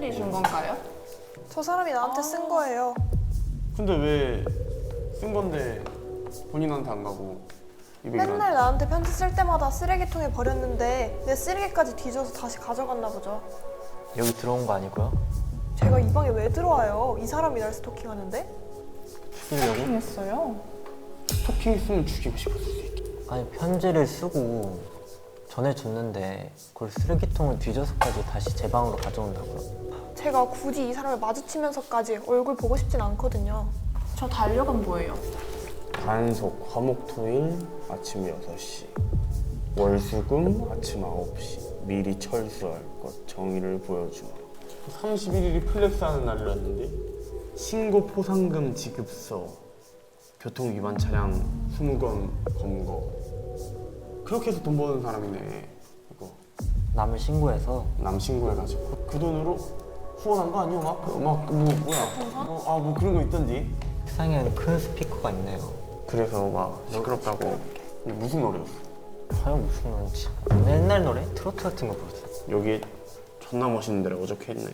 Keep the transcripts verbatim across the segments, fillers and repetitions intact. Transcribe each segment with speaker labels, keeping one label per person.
Speaker 1: 친구들이 준 건가요?
Speaker 2: 저 사람이 나한테
Speaker 1: 아.
Speaker 2: 쓴 거예요.
Speaker 3: 근데 왜 쓴 건데 본인한테 안 가고 이백일한테?
Speaker 2: 맨날 나한테 편지 쓸 때마다 쓰레기통에 버렸는데 내 쓰레기까지 뒤져서 다시 가져갔나 보죠.
Speaker 4: 여기 들어온 거 아니고요?
Speaker 2: 제가 이 방에 왜 들어와요? 이 사람이 날 스토킹하는데?
Speaker 4: 죽이려고?
Speaker 1: 했어요.
Speaker 3: 스토킹 했으면 죽이고 싶었을 수 있겠다.
Speaker 4: 아니 편지를 쓰고 전해줬는데 그걸 쓰레기통을 뒤져서까지 다시 제 방으로 가져온다고요?
Speaker 2: 제가 굳이 이 사람을 마주치면서까지 얼굴 보고 싶진 않거든요.
Speaker 1: 저 달력은 뭐예요?
Speaker 3: 단속 화목토일 아침 여섯 시, 월수금 아침 아홉 시, 미리 철수할 것 정의를 보여주마. 삼십일 일이 플렉스하는 날이었는데 신고 포상금 지급서, 교통위반 차량 이십 건 검거. 그렇게 해서 돈 버는 사람이네. 이거
Speaker 4: 남을 신고해서
Speaker 3: 남 신고해가지고 그 돈으로 후원한 거 아니야? 막, 막 뭐, 뭐야? 어, 아, 뭐 그런 거 있던지.
Speaker 4: 세상에는 큰 스피커가 있네요.
Speaker 3: 그래서 막 시끄럽다고. 이게 무슨 노래였어?
Speaker 4: 과연 무슨 노래인지. 옛날 노래? 트로트 같은 거 부르죠.
Speaker 3: 여기 존나 멋있는 데라고 적혀있네.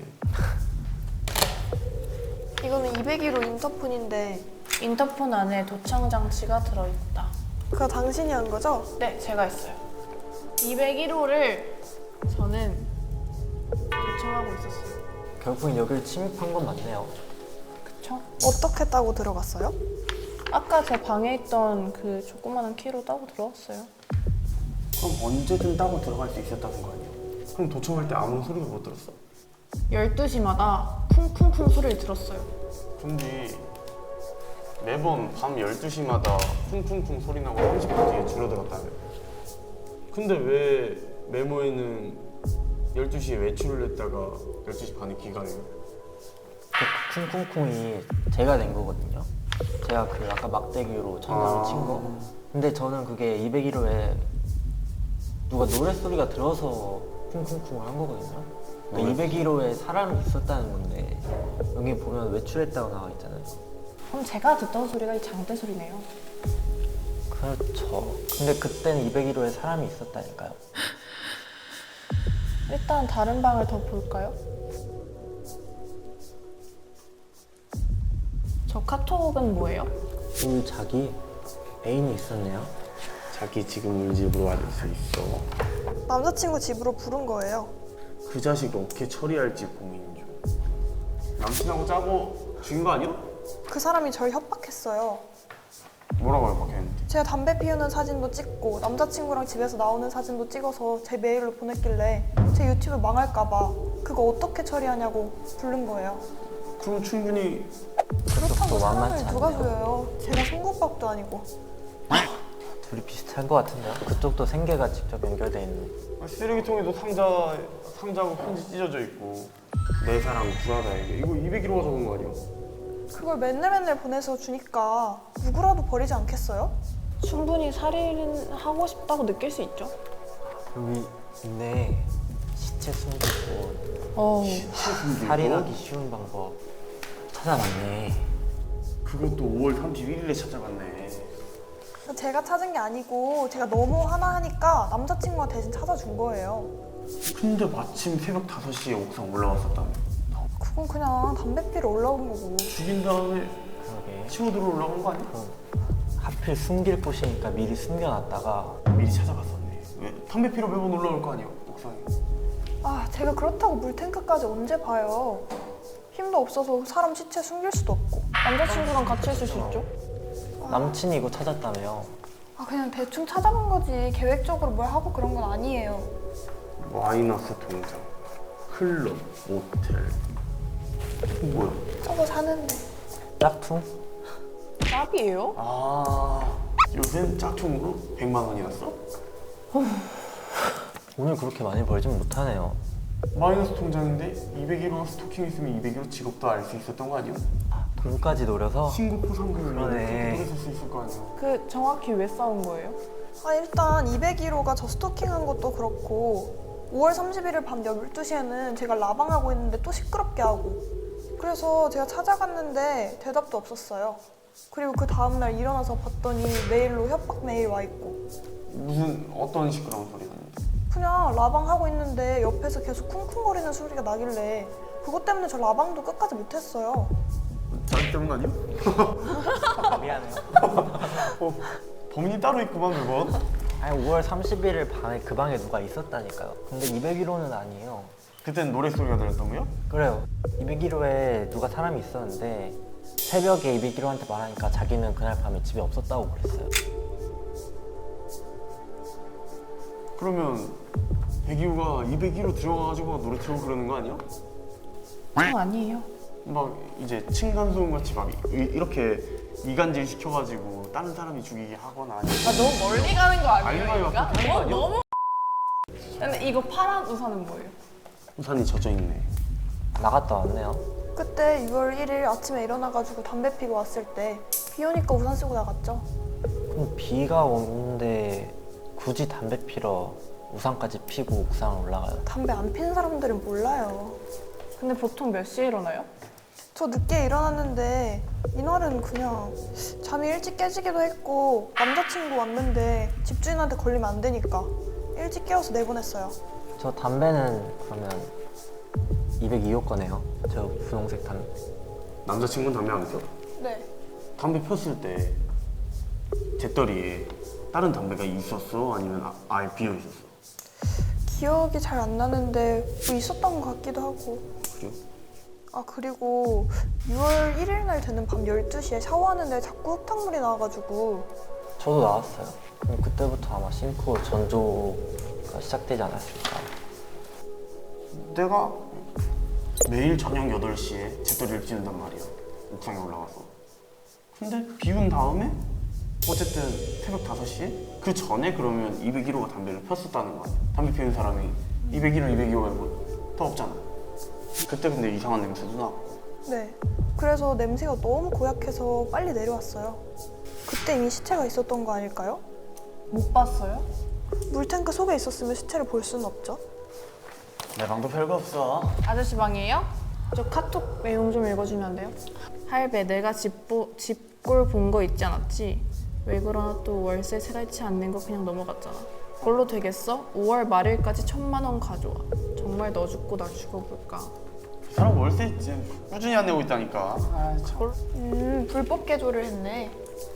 Speaker 2: 이거는 이백일 호 인터폰인데
Speaker 1: 인터폰 안에 도청 장치가 들어있다.
Speaker 2: 그거 당신이 한 거죠?
Speaker 1: 네, 제가 했어요. 이백일 호를 저는 도청하고 있었어요.
Speaker 4: 결국엔 여기를 침입한 건 맞네요.
Speaker 1: 그쵸?
Speaker 2: 어떻게 따고 들어갔어요?
Speaker 1: 아까 제 방에 있던 그 조그마한 키로 따고 들어왔어요.
Speaker 3: 그럼 언제든 따고 들어갈 수 있었다는 거 아니야? 그럼 도청할 때 아무 소리도 못 들었어?
Speaker 1: 열두 시마다 쿵쿵쿵 소리를 들었어요.
Speaker 3: 근데 매번 밤 열두 시마다 쿵쿵쿵 소리 나고 삼십 분 뒤에 줄어들었다며. 근데 왜 메모에는 열두 시에 외출을 했다가 열두 시 반에 귀가해요?
Speaker 4: 그 쿵쿵쿵이 제가 낸 거거든요. 제가 그 아까 막대기로 천장을
Speaker 3: 아.
Speaker 4: 친 거. 근데 저는 그게 이백일 호에 누가 노랫소리가 들어서 쿵쿵쿵을 한 거거든요. 그러니까 이백일 호에 사람이 있었다는 건데 여기 보면 외출했다고 나와 있잖아요.
Speaker 1: 그럼 제가 듣던 소리가 이 장대 소리네요.
Speaker 4: 그렇죠. 근데 그때는 이백일 호에 사람이 있었다니까요.
Speaker 1: 일단 다른 방을 더 볼까요? 저 카톡은 뭐예요?
Speaker 4: 우리 자기 애인이 있었네요.
Speaker 3: 자기 지금 우리 집으로 와줄 수 있어.
Speaker 2: 남자친구 집으로 부른 거예요.
Speaker 3: 그 자식 어떻게 처리할지 고민 중. 남친하고 짜고 죽인 거 아니야?
Speaker 2: 그 사람이 절 협박했어요.
Speaker 3: 뭐라고 협박했는데?
Speaker 2: 제가 담배 피우는 사진도 찍고 남자친구랑 집에서 나오는 사진도 찍어서 제 메일로 보냈길래 제 유튜브 망할까 봐 그거 어떻게 처리하냐고 부른 거예요.
Speaker 3: 그럼 충분히
Speaker 2: 그렇다고
Speaker 4: 그것도
Speaker 2: 사람을
Speaker 4: 만만치
Speaker 2: 누가
Speaker 4: 않네요.
Speaker 2: 속여요. 제가 송곳밥도 아니고.
Speaker 4: 둘이 비슷한 것 같은데요. 그쪽도 생계가 직접 연결돼 있는.
Speaker 3: 쓰레기통에도 상자, 상자하고 편지 찢어져 있고 내 사랑 불하다에게 이거 이백일 호가 적은 거 아니야?
Speaker 2: 그걸 맨날 맨날 보내서 주니까 누구라도 버리지 않겠어요?
Speaker 1: 충분히 살인하고 싶다고 느낄 수 있죠.
Speaker 4: 여기 있네. 시체 숨기고
Speaker 1: 어.
Speaker 4: 살인하기 쉬운 방법 찾아봤네.
Speaker 3: 그것도 오월 삼십일 일에 찾아갔네.
Speaker 2: 제가 찾은 게 아니고 제가 너무 화나니까 남자친구가 대신 찾아준 거예요.
Speaker 3: 근데 마침 새벽 다섯 시에 옥상 올라왔었다며.
Speaker 2: 그건 그냥 담배 피러 올라온 거고.
Speaker 3: 죽인 다음에
Speaker 4: 그러게.
Speaker 3: 치고 들어 올라온 거 아니야?
Speaker 4: 그럼 하필 숨길 곳이니까 미리 숨겨놨다가
Speaker 3: 미리 찾아갔었네. 왜? 담배 피러 매번 올라올 거 아니야, 옥상에.
Speaker 2: 아, 제가 그렇다고 물탱크까지 언제 봐요. 힘도 없어서 사람 시체 숨길 수도 없고.
Speaker 1: 남자친구랑 같이 있을 수 있죠.
Speaker 4: 남친이 이거 찾았다며요.
Speaker 2: 아, 그냥 대충 찾아본 거지 계획적으로 뭘 하고 그런 건 아니에요.
Speaker 3: 마이너스 통장, 클럽, 모텔. 뭐야?
Speaker 2: 저거 사는데.
Speaker 4: 짝퉁?
Speaker 1: 짭이에요?
Speaker 3: 아, 요샌 짝퉁으로 백만 원이었어?
Speaker 4: 오늘 그렇게 많이 벌진 못하네요.
Speaker 3: 마이너스 통장인데 이백일 호 스토킹 있으면 이백일 호 직업도 알 수 있었던 거 아니야?
Speaker 4: 돈까지 노려서
Speaker 3: 신고 포상금을
Speaker 4: 그러네.
Speaker 3: 노렸을 수 있을 거 아니야?
Speaker 1: 그 정확히 왜 싸운 거예요?
Speaker 2: 아, 일단 이백일 호가 저 스토킹한 것도 그렇고 오월 삼십일 일 밤 열두 시에는 제가 라방하고 있는데 또 시끄럽게 하고 그래서 제가 찾아갔는데 대답도 없었어요. 그리고 그 다음날 일어나서 봤더니 메일로 협박 메일 와 있고
Speaker 3: 무슨 어떤 시끄러운 소리 났는데?
Speaker 2: 그냥 라방하고 있는데 옆에서 계속 쿵쿵거리는 소리가 나길래 그것 때문에 저 라방도 끝까지 못했어요.
Speaker 3: 자기 때문 아니야?
Speaker 4: 미안해요.
Speaker 3: 어, 범인이 따로 있구만 그건.
Speaker 4: 아니 오월 삼십일일 밤에 그 방에 누가 있었다니까요. 근데 이백일 호는 아니에요.
Speaker 3: 그때는 노랫소리가 들렸다고요?
Speaker 4: 그래요. 이백일 호에 누가 사람이 있었는데 새벽에 이백일 호한테 말하니까 자기는 그날 밤에 집에 없었다고 그랬어요.
Speaker 3: 그러면 백이호가 이백일 호 들어가가지고 막 노래 틀고 그러는 거 아니야?
Speaker 1: 전 아니에요.
Speaker 3: 막 이제 층간소음 같이 막 이- 이렇게 이간질 시켜가지고 다른 사람이 죽이게 하거나 아니면
Speaker 1: 아 너무 멀리 가는 거 아니에요?
Speaker 3: 아니요,
Speaker 1: 이거?
Speaker 3: 그렇게 하는 거
Speaker 1: 어,
Speaker 3: 아니에요?
Speaker 1: 너무. 근데 이거 파란 우산은 뭐예요?
Speaker 3: 우산이 젖어 있네.
Speaker 4: 나갔다 왔네요.
Speaker 2: 그때 유월 일일 아침에 일어나가지고 담배 피고 왔을 때 비 오니까 우산 쓰고 나갔죠.
Speaker 4: 그럼 비가 오는데 굳이 담배 피러 우산까지 피고 옥상 올라가요?
Speaker 2: 담배 안 피는 사람들은 몰라요.
Speaker 1: 근데 보통 몇 시에 일어나요?
Speaker 2: 저 늦게 일어났는데 이날은 그냥 잠이 일찍 깨지기도 했고 남자친구 왔는데 집주인한테 걸리면 안 되니까 일찍 깨워서 내보냈어요.
Speaker 4: 저 담배는 그러면 이백이 호 거네요. 저 분홍색 담배.
Speaker 3: 남자친구는 담배 안 펴?
Speaker 2: 네.
Speaker 3: 담배 폈을 때 재떨이에 다른 담배가 있었어? 아니면 아, 아예 비어 있었어?
Speaker 2: 기억이 잘 안 나는데 뭐 있었던 것 같기도 하고.
Speaker 3: 그죠?
Speaker 2: 아 그리고 유월 일일 날 되는 밤 열두 시에 샤워하는데 자꾸 흙탕물이 나와가지고
Speaker 4: 저도 나왔어요. 그럼 그때부터 아마 싱크 전조가 시작되지 않았을까.
Speaker 3: 내가 매일 저녁 여덟 시에 재떨이를 피운단 말이야. 옥상에 올라가서. 근데 비운 다음에 어쨌든 새벽 다섯 시에 그 전에 그러면 이백일 호가 담배를 폈었다는 거 아니야. 담배 피우는 사람이 이백일 호, 이백이 호 말고 더 없잖아. 그때 근데 이상한 냄새도 나고.
Speaker 2: 네. 그래서 냄새가 너무 고약해서 빨리 내려왔어요. 그때 이미 시체가 있었던 거 아닐까요?
Speaker 1: 못 봤어요?
Speaker 2: 물탱크 속에 있었으면 시체를 볼 수는 없죠.
Speaker 3: 내 방도 별거 없어.
Speaker 1: 아저씨 방이에요? 저 카톡 내용 좀 읽어주면 안 돼요? 할배, 내가 집보, 집골 본 거 있지 않았지? 왜 그러나 또 월세 세 달치 안 낸 거 그냥 넘어갔잖아. 그걸로 되겠어? 오월 말일까지 천만 원 가져와. 정말 너 죽고 나 죽어볼까?
Speaker 3: 그 사람 월세 있지. 꾸준히 안 내고 있다니까. 아 참.
Speaker 2: 음, 불법 개조를 했네.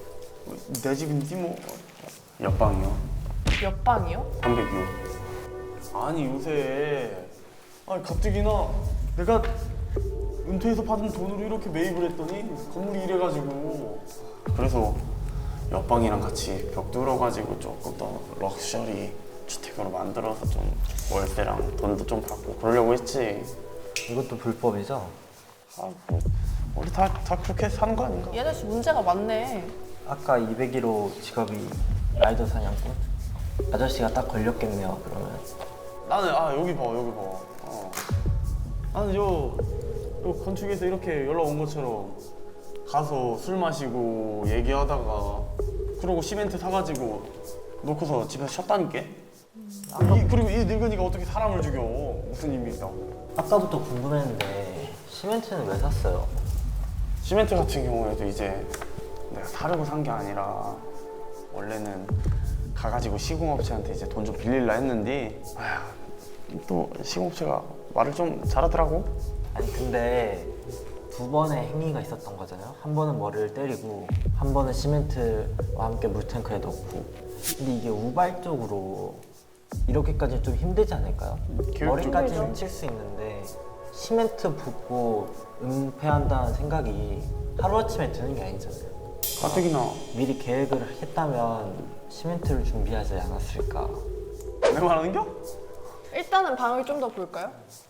Speaker 3: 내 집인지 뭐. 옆방이요.
Speaker 1: 몇 방이요?
Speaker 3: 삼백이요. 아니 요새 아니 가뜩이나 내가 은퇴해서 받은 돈으로 이렇게 매입을 했더니 건물이 이래가지고 그래서 옆방이랑 같이 벽 뚫어가지고 조금 더 럭셔리 주택으로 만들어서 좀 월세랑 돈도 좀 받고 그러려고 했지.
Speaker 4: 이것도 불법이죠?
Speaker 3: 아, 뭐, 우리 다, 다 그렇게 사는 거 아닌가?
Speaker 1: 이 아저씨 문제가 많네.
Speaker 4: 아까 이백일 호 직업이 라이더 사냥꾼? 아저씨가 딱 걸렸겠네요, 그러면.
Speaker 3: 나는 아 여기 봐 여기 봐. 어. 나는 요, 요 건축에서 이렇게 연락 온 것처럼 가서 술 마시고 얘기하다가 그러고 시멘트 사가지고 놓고서 집에서 쉬었다니까. 이, 그리고 이 늙은이가 어떻게 사람을 죽여? 무슨 의미 있다고?
Speaker 4: 아까부터 궁금했는데 시멘트는 왜 샀어요?
Speaker 3: 시멘트 같은 경우에도 이제 내가 사려고 산 게 아니라 원래는 가가지고 시공업체한테 이제 돈 좀 빌릴라 했는데 아휴, 또 시공업체가 말을 좀 잘하더라고.
Speaker 4: 아니 근데 두 번의 행위가 있었던 거잖아요. 한 번은 머리를 때리고 한 번은 시멘트와 함께 물탱크에 넣고. 근데 이게 우발적으로 이렇게까지 좀 힘들지 않을까요?
Speaker 3: 교육적이죠.
Speaker 4: 머리까지는 칠 수 있는데 시멘트 붓고 은폐한다는 생각이 하루아침에 드는 게 아니잖아요.
Speaker 3: 가뜩이나
Speaker 4: 미리 계획을 했다면 시멘트를 준비하지 않았을까.
Speaker 3: 내 말하는겨?
Speaker 1: 일단은 방을 좀 더 볼까요?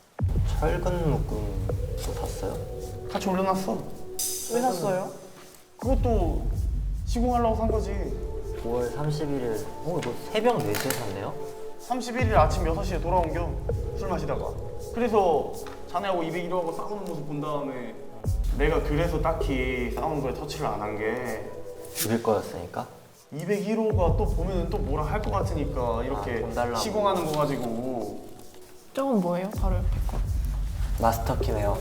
Speaker 4: 철근 묶음도 샀어요?
Speaker 3: 같이 올려놨어.
Speaker 1: 왜 샀어요?
Speaker 3: 그것도 시공하려고 산 거지.
Speaker 4: 오월 삼십일일, 어 이거 새벽 네 시에 샀네요?
Speaker 3: 삼십일 일 아침 여섯 시에 돌아온 겸 술 마시다가 그래서 자네하고 이백일 호하고 싸우는 모습 본 다음에 내가 그래서 딱히 싸우는 거에 터치를 안 한 게
Speaker 4: 죽일 거였으니까?
Speaker 3: 이백일 호가 또 보면은 또 뭐라 할 것 같으니까 이렇게
Speaker 4: 아, 돈 달라고.
Speaker 3: 시공하는 거 가지고.
Speaker 1: 저건 뭐예요? 바로 옆에 거.
Speaker 4: 마스터키네요.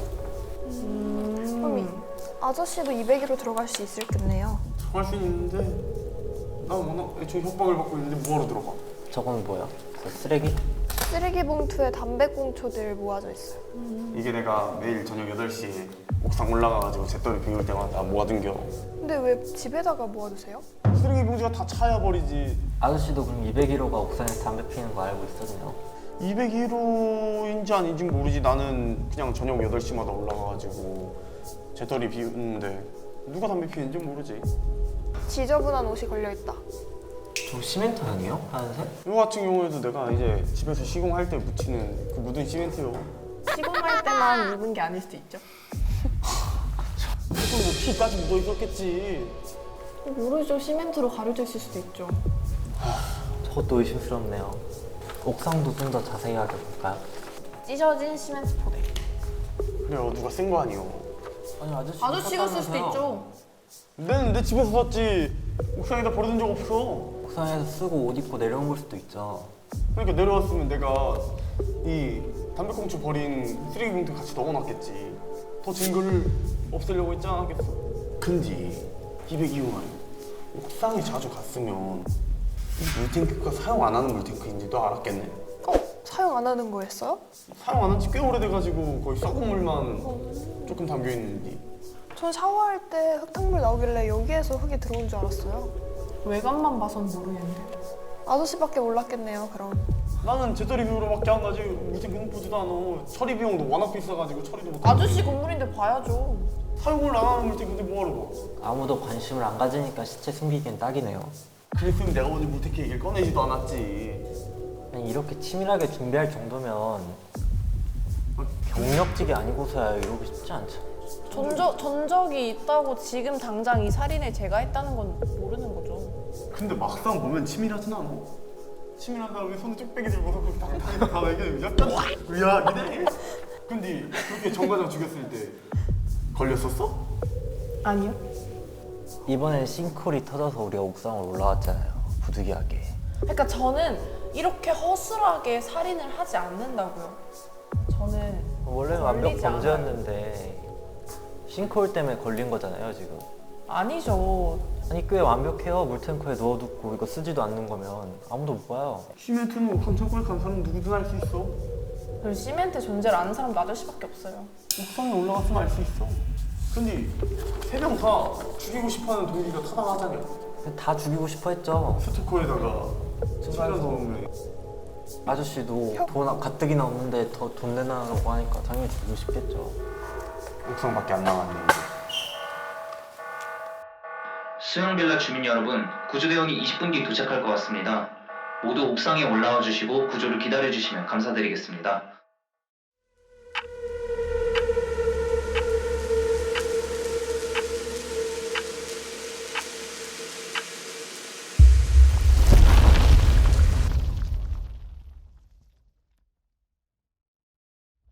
Speaker 2: 그럼 이 아저씨도 이백일 호 들어갈 수 있을겠네요.
Speaker 3: 들어갈 수 있는데 나 워낙 애초에 협박을 받고 있는데 뭐하러 들어가?
Speaker 4: 저건 뭐야? 그 쓰레기?
Speaker 2: 쓰레기 봉투에 담배꽁초들 모아져 있어요.
Speaker 3: 이게 내가 매일 저녁 여덟 시에 옥상 올라가가지고 잿더리 비울 때마다 모아둔겨.
Speaker 2: 근데 왜 집에다가 모아두세요?
Speaker 3: 쓰레기 봉지가 다 차야 버리지.
Speaker 4: 아저씨도 그럼 이백일 호가 옥상에서 담배 피는 거 알고 있었네요.
Speaker 3: 이백일 호인지 아닌지 모르지. 나는 그냥 저녁 여덟 시마다 올라가가지고 잿더리 비우는데 누가 담배 피우는지 모르지.
Speaker 2: 지저분한 옷이 걸려있다.
Speaker 4: 저 시멘트 아니에요? 하얀색?
Speaker 3: 이거 같은 경우에도 내가 이제 집에서 시공할 때 묻히는 그 묻은 시멘트요.
Speaker 1: 시공할 때만 묻은 게 아닐 수도 있죠.
Speaker 3: 그래서 뭐 피까지 묻어 있었겠지.
Speaker 1: 모르죠. 시멘트로 가려져 있을 수도 있죠.
Speaker 4: 저것도 의심스럽네요. 옥상도 좀 더 자세히 하게 볼까요?
Speaker 1: 찢어진 시멘트 포대.
Speaker 3: 그래요, 누가 쓴 거 아니요.
Speaker 4: 아니 아저씨
Speaker 1: 아저씨가 쓸 수도 있죠.
Speaker 3: 내는 내 집에서 샀지. 옥상에다 버려둔 적 없어.
Speaker 4: 옥상에서 쓰고 옷 입고 내려온 걸 수도 있죠.
Speaker 3: 그러니까 내려왔으면 내가 이 담배꽁초 버린 쓰레기 봉투에 같이 넣어놨겠지. 더 증거를 없애려고 했지 않았겠어. 근데 이백이 호가 옥상에 자주 갔으면 이 물탱크가 사용 안 하는 물탱크인지도 알았겠네.
Speaker 2: 어? 사용 안 하는 거였어요?
Speaker 3: 사용 안 한 지 꽤 오래돼가지고 거의 썩은 물만 조금 담겨있는데.
Speaker 2: 전 샤워할 때 흙탕물 나오길래 여기에서 흙이 들어온 줄 알았어요.
Speaker 1: 외관만 봐선 모르겠는데.
Speaker 2: 아저씨밖에 몰랐겠네요, 그럼.
Speaker 3: 나는 잿더리 비우러밖에 안 가지 물탱크는 보지도 않아. 처리 비용도 워낙 비싸가지고 처리도 못하고.
Speaker 1: 아저씨 건물인데 봐야죠.
Speaker 3: 사용을 안 하는 물탱크인데 뭐하러 봐.
Speaker 4: 아무도 관심을 안 가지니까 시체 숨기기엔 딱이네요.
Speaker 3: 그랬으면 내가 먼저 물탱크 얘기를 꺼내지도 않았지.
Speaker 4: 아니, 이렇게 치밀하게 준비할 정도면 경력직이 아니고서야 이러고 싶지 않죠.
Speaker 1: 전적, 전적이 있다고 지금 당장 이 살인을 제가 했다는 건 모르는 거죠.
Speaker 3: 근데 막상 보면 치밀하진 않아. 치밀한 다음에 손을 쭉 빼기 들고서 그렇게 당당히 다 얘기해. 약간 의아하긴 해. 근데 그렇게 정과장 죽였을 때 걸렸었어?
Speaker 1: 아니요.
Speaker 4: 이번엔 싱크홀이 터져서 우리가 옥상을 올라왔잖아요. 부득이하게.
Speaker 1: 그러니까 저는 이렇게 허술하게 살인을 하지 않는다고요. 저는
Speaker 4: 원래는 완벽
Speaker 1: 걸리지 않아요.
Speaker 4: 범죄였는데 싱크홀 때문에 걸린 거잖아요 지금.
Speaker 1: 아니죠.
Speaker 4: 아니 꽤 완벽해요. 물탱크에 넣어두고 이거 쓰지도 않는 거면 아무도 못 봐요.
Speaker 3: 시멘트는 옥상 창고에 간 사람 누구든 알 수 있어.
Speaker 1: 그리고 시멘트 존재를 아는 사람도 아저씨밖에 없어요.
Speaker 3: 옥상에 올라갔으면 알 수 있어. 근데 세 명 다 죽이고 싶어하는 동기가 타당하잖아.
Speaker 4: 다 죽이고 싶어 했죠.
Speaker 3: 스토커에다가 숨겨놓으면
Speaker 4: 아저씨도 돈 가뜩이나 없는데 더 돈 내놔라고 하니까 당연히 죽이고 싶겠죠.
Speaker 3: 옥상밖에 안 나갔네.
Speaker 5: 수영빌라 주민 여러분, 구조대원이 이십 분 뒤 도착할 것 같습니다. 모두 옥상에 올라와 주시고 구조를 기다려 주시면 감사드리겠습니다.